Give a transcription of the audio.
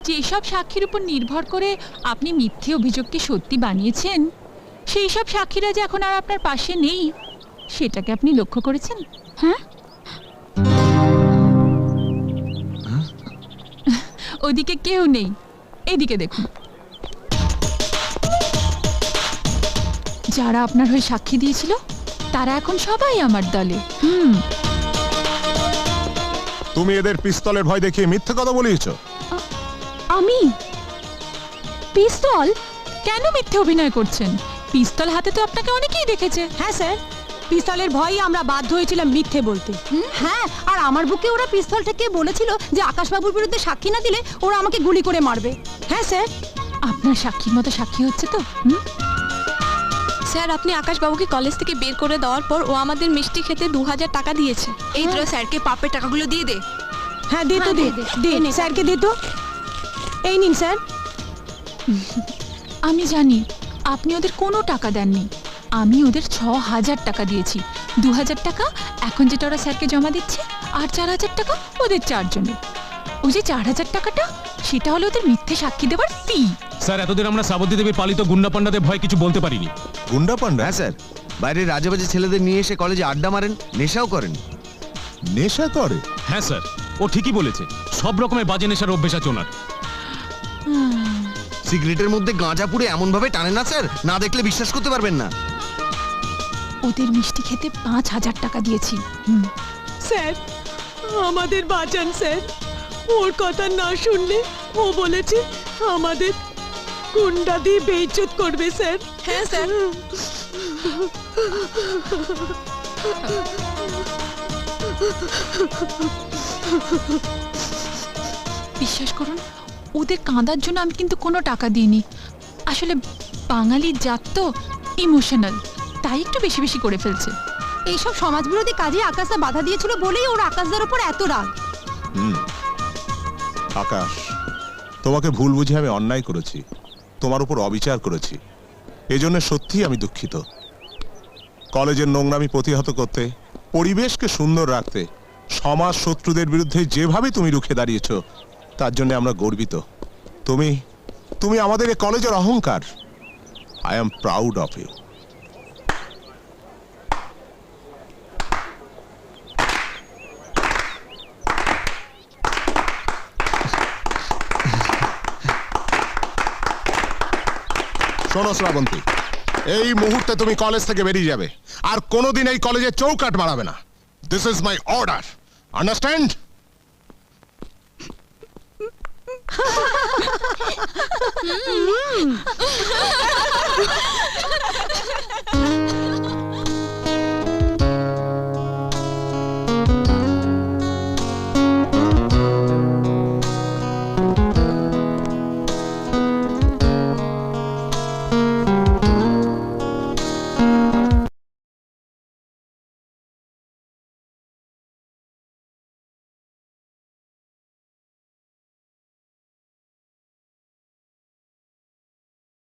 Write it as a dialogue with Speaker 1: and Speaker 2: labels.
Speaker 1: যেসব সাক্ষীর উপর নির্ভর করে আপনি মিথ্যে অভিযোগকে সত্যি বানিয়েছেন, সেই সব সাক্ষীরা যে এখন আর আপনার পাশে নেই, সেটাকে আপনি লক্ষ্য করেছেন? হ্যাঁ, ওদিকে কেউ নেই, এদিকে দেখুন। যারা আপনার হয়ে সাক্ষী দিয়েছিল তারা এখন সবাই আমার দলে।
Speaker 2: তুমি এদের পিস্তলের ভয় দেখিয়ে মিথ্যে কথা বলিয়েছো।
Speaker 1: আমি পিস্তল? কেন মিথ্যে অভিনয় করছেন? পিস্তল হাতে তো আপনাকে অনেকেই দেখেছে।
Speaker 3: হ্যাঁ স্যার, পিস্তলের ভয়ে আমরা বাধ্য হয়েছিলাম মিথ্যে বলতে। হ্যাঁ, আর আমার বুকে ওরা পিস্তল থেকে বলেছিল যে আকাশবাবুর বিরুদ্ধে সাক্ষী না দিলে ওরা আমাকে গুলি করে মারবে। হ্যাঁ স্যার।
Speaker 1: আপনার সাক্ষীর মতো সাক্ষী হচ্ছে তো?
Speaker 4: স্যার, আপনি আকাশবাবুকে কলেজ থেকে বের করে দেওয়ার পর ও আমাদের মিষ্টি খেতে 2000 টাকা দিয়েছে।
Speaker 5: এই তো স্যারকে পাপের টাকাগুলো দিয়ে দে।
Speaker 3: হ্যাঁ দে তো, দে স্যারকে দে তো। এই নিন স্যার।
Speaker 1: আমি জানি আপনি ওদের কোনো টাকা দেননি। আমি ওদের 6000 টাকা দিয়েছি। 2000 টাকা এখন যেটা ওরা স্যারকে জমা দিচ্ছে, আর 4000 টাকা ওদের চারজনের। ওই যে 4000 টাকাটা, সেটা হলো ওদের মিথ্যে সাক্ষী দেওয়ার ফি।
Speaker 6: স্যার, এতদিন আমরা শ্রাবন্তী দেবীর পালিত গুন্ডা পান্ডাদের ভয় কিছু বলতে পারিনি।
Speaker 2: গুন্ডা পান্ডা?
Speaker 7: হ্যাঁ স্যার, বাইরের রাজাবাজি ছেলেদের নিয়ে এসে কলেজে আড্ডা মারেন, নেশাও করেন।
Speaker 2: নেশা করে?
Speaker 6: হ্যাঁ স্যার, ও ঠিকই বলেছে। সব রকমের বাজে নেশার অভ্যেস আছে ওনার।
Speaker 7: সিগারেটের মধ্যে গাঁজা পুড়ে এমন ভাবে টানে না স্যার, না দেখলে বিশ্বাস করতে পারবেন না।
Speaker 1: ওদের মিষ্টি খেতে 5000 টাকা দিয়েছি।
Speaker 3: স্যার, আমাদের বাঁচান স্যার। ওর কথা না শুনলে ও বলেছে আমাদের গুন্ডা দিয়ে বেইজ্জত করবে স্যার।
Speaker 4: হ্যাঁ স্যার।
Speaker 1: বিশ্বাস করুন, ওদের কাঁদার জন্য আমি কিন্তু কোনো টাকা দিইনি। আসলে বাঙালির জাত তো ইমোশনাল, তাই একটু বেশি বেশি করে ফেলছে।
Speaker 3: এইসব সমাজবিরোধী কাজে আকাশদা বাধা দিয়েছিল বলেই ওর আকাশদার উপর এত রাগ।
Speaker 2: আকাশ, তোমাকে ভুল বুঝে আমি অন্যায় করেছি, তোমার উপর অবিচার করেছি। এজন্য সত্যিই আমি দুঃখিত। কলেজের নোংরামি প্রতিহত করতে, পরিবেশকে সুন্দর রাখতে সমাজ শত্রুদের বিরুদ্ধে যেভাবে তুমি রুখে দাঁড়িয়েছ, তার জন্য আমরা গর্বিত। তুমি আমাদের এই কলেজের অহংকার। I am proud of you. শোনো শ্রাবন্তী, এই মুহূর্তে তুমি কলেজ থেকে বেরিয়ে যাবে, আর কোনোদিন এই কলেজে চৌকাট মারাবে না। This is my order, understand?